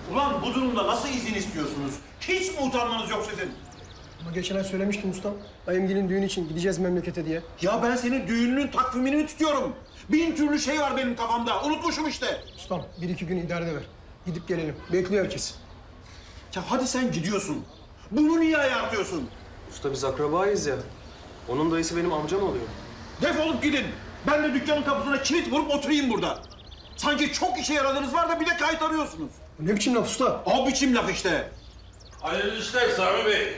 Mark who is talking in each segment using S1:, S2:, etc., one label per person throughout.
S1: Ulan bu durumda nasıl izin istiyorsunuz? Hiç mi utanmanız yok sizin?
S2: Ama geçen ay söylemiştim ustam. Dayımgilin düğün için gideceğiz memlekete diye.
S1: Ya ben senin düğününün takvimini mi tutuyorum? Bin türlü şey var benim kafamda. Unutmuşum işte.
S2: Ustam 1-2 gün idare ver. Gidip gelelim. Bekliyor herkes.
S1: Ya hadi sen gidiyorsun. Bunu niye ayartıyorsun?
S3: Usta biz akrabayız ya. Onun dayısı benim amcam oluyor.
S1: Defolup gidin. Ben de dükkanın kapısına kilit vurup oturayım burada. Sanki çok işe yaradığınız var da bir de kayıt arıyorsunuz.
S2: Ne biçim laf usta?
S1: O biçim laf işte.
S4: Hayırlı işler Sami Bey.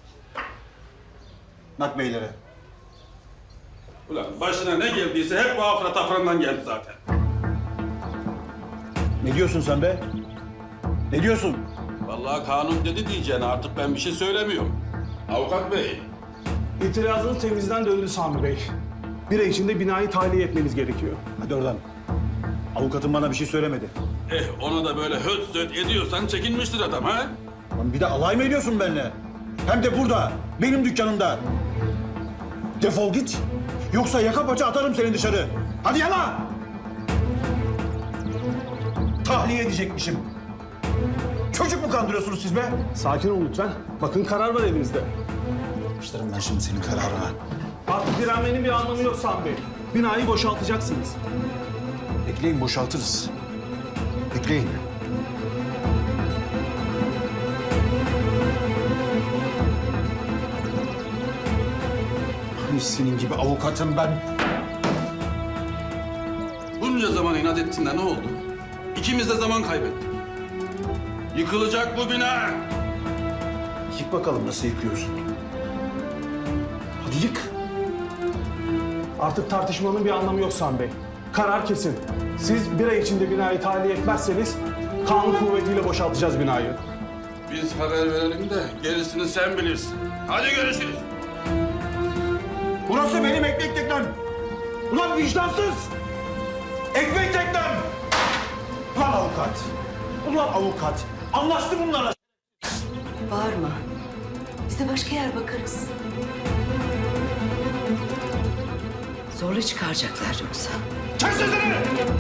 S1: Bak beylere.
S4: Ulan başına ne geldiyse hep bu afra tafrandan geldi zaten.
S1: Ne diyorsun sen be? Ne diyorsun?
S4: Vallahi kanun dedi diyeceğine artık ben bir şey söylemiyorum. Avukat bey,
S5: İtirazınız temizden döndü Sami Bey. Bir ay içinde binayı tahliye etmeniz gerekiyor.
S1: Hadi oradan. Avukatım bana bir şey söylemedi.
S4: ona da böyle höt söt ediyorsan çekinmiştir adam ha?
S1: Lan bir de alay mı ediyorsun benimle? Hem de burada, benim dükkanımda. Defol git. Yoksa yaka paça atarım seni dışarı. Hadi yana! Tahliye edecekmişim. Çocuk mu kandırıyorsunuz siz be?
S5: Sakin olun lütfen. Bakın karar var elimizde.
S1: Başlarım ben şimdi senin kararına.
S5: Artık direnmenin bir anlamı yok Sami Bey. Binayı boşaltacaksınız.
S1: Bekleyin, boşaltırız. Bekleyin. Ay senin gibi avukatım ben.
S4: Bunca zaman inat ettin de ne oldu? İkimiz de zaman kaybettik. Yıkılacak bu bina.
S1: Yık bakalım nasıl yıkıyorsun. Hadi yık.
S5: Artık tartışmanın bir anlamı yok Sami Bey. Karar kesin. Siz bir ay içinde binayı tahliye etmezseniz kanun kuvvetiyle boşaltacağız binayı.
S4: Biz haber verelim de gerisini sen bilirsin. Hadi görüşürüz.
S1: Burası benim ekmek teknem. Ulan vicdansız. Ekmek teknem. Ulan avukat. Ulan avukat. Anlaştı bunlarla.
S6: Bağırma. Biz de başka yer bakarız. Zorla çıkaracaklar yoksa.
S1: Kes sesini.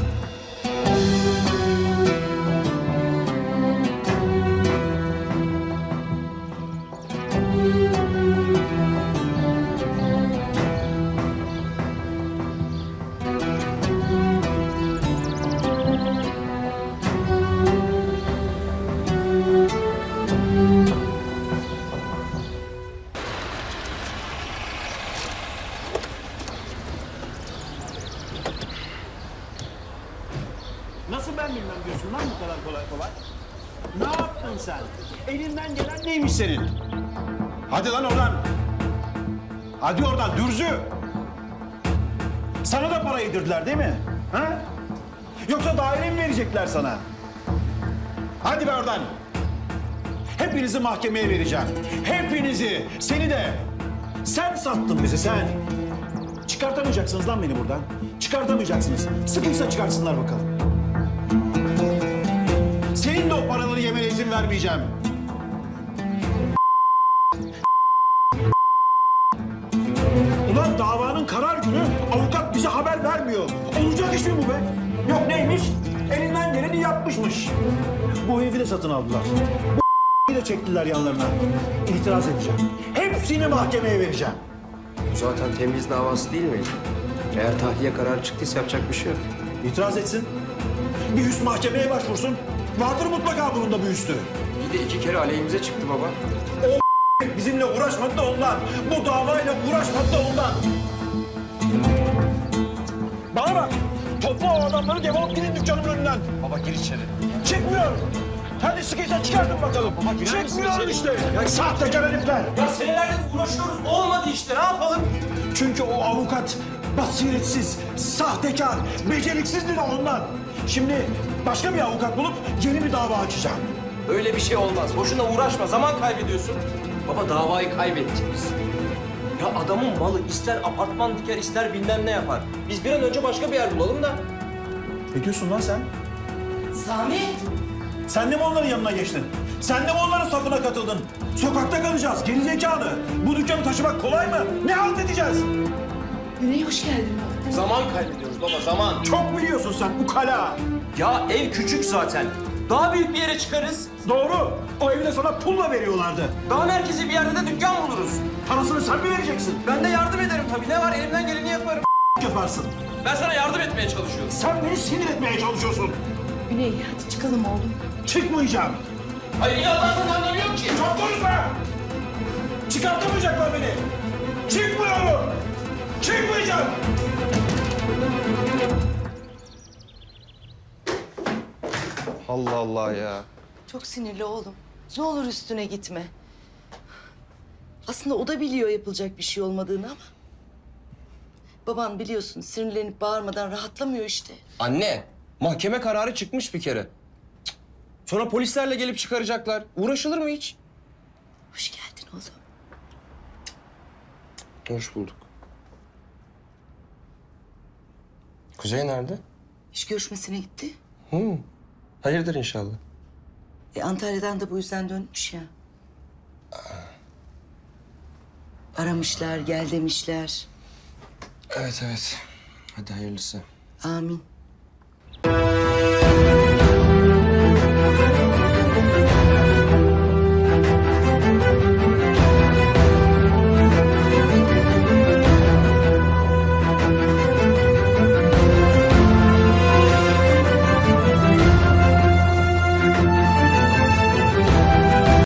S1: Nasıl ben bilmem diyorsun lan bu kadar kolay kolay? Ne yaptın sen? Elinden gelen neymiş senin? Hadi lan oradan. Hadi oradan dürzü. Sana da para yedirdiler değil mi? Ha? Yoksa daire mi verecekler sana? Hadi be oradan. Hepinizi mahkemeye vereceğim. Hepinizi. Seni de. Sen sattın bizi sen. Çıkartamayacaksınız lan beni buradan. Çıkartamayacaksınız. Sıkıysa çıkarsınlar bakalım. Senin de o paraları yemene izin vermeyeceğim. Ulan davanın karar günü avukat bize haber vermiyor. Olacak iş mi bu be? Yok neymiş? Elinden geleni yapmışmış. Bu evi de satın aldılar. Bu de çektiler yanlarına. İtiraz edeceğim. Hepsini mahkemeye vereceğim.
S3: Bu zaten temyiz davası değil miydi? Eğer tahliye kararı çıktıysa yapacak bir şey yok.
S1: İtiraz etsin. Bir üst mahkemeye başvursun. Vardır mutlaka bunun da bir üstü.
S3: İyi de 2 kere aleyhimize çıktı baba.
S1: Bizimle uğraşmadı da ondan. Bu davayla uğraşmadı da ondan. Bana bak. Topla o adamları defolup gidin dükkanımın önünden.
S3: Baba gir içeri.
S1: Çıkmıyor. Hadi sıkıysa çıkartın bakalım. Çıkmıyor işte. Ya sahtekar herifler.
S3: Ya senelerdir uğraşıyoruz. Olmadı işte. Ne yapalım?
S1: Çünkü o avukat basiretsiz, sahtekar, beceriksizdi de ondan. Şimdi başka bir avukat bulup yeni bir dava açacağım.
S3: Öyle bir şey olmaz. Boşuna uğraşma. Zaman kaybediyorsun. Baba davayı kaybettik biz. Ya adamın malı ister apartman diker ister bilmem ne yapar. Biz bir an önce başka bir yer bulalım da.
S1: Ne diyorsun lan sen?
S6: Sami!
S1: Sen de mi onların yanına geçtin? Sen de mi onların safına katıldın? Sokakta kalacağız, gerizekalı. Bu dükkanı taşımak kolay mı? Ne halt edeceğiz?
S6: Güney hoş geldin.
S3: Zaman kaybediyoruz baba zaman.
S1: Çok biliyorsun sen ukala.
S3: Ya ev küçük zaten. Daha büyük bir yere çıkarız.
S1: Doğru. O evi de sana pulla veriyorlardı.
S3: Daha merkezi bir yerde de dükkan buluruz.
S1: Parasını sen mi vereceksin?
S3: Ben de yardım ederim tabii. Ne var, elimden geleni yaparım.
S1: Yaparsın.
S3: Ben sana yardım etmeye çalışıyorum.
S1: Sen beni sinir etmeye çalışıyorsun.
S6: Güney hadi çıkalım oğlum.
S1: Çıkmayacağım.
S3: Hayır, inatlarsan anlamıyorum ki.
S1: Çok konuşma. Çıkartamayacaklar beni. Çıkmıyorum. Çıkmayacağım.
S3: Allah Allah ya.
S6: Çok sinirli oğlum. Ne olur üstüne gitme. Aslında o da biliyor yapılacak bir şey olmadığını ama... Baban biliyorsun sinirlenip bağırmadan rahatlamıyor işte.
S3: Anne, mahkeme kararı çıkmış bir kere. Cık. Sonra polislerle gelip çıkaracaklar. Uğraşılır mı hiç?
S6: Hoş geldin oğlum.
S3: Hoş bulduk. Kuzey nerede?
S6: İş görüşmesine gitti.
S3: Hayırdır inşallah.
S6: Antalya'dan da bu yüzden dönmüş ya. Aramışlar, gel demişler.
S3: Evet. Hadi hayırlısı.
S6: Amin.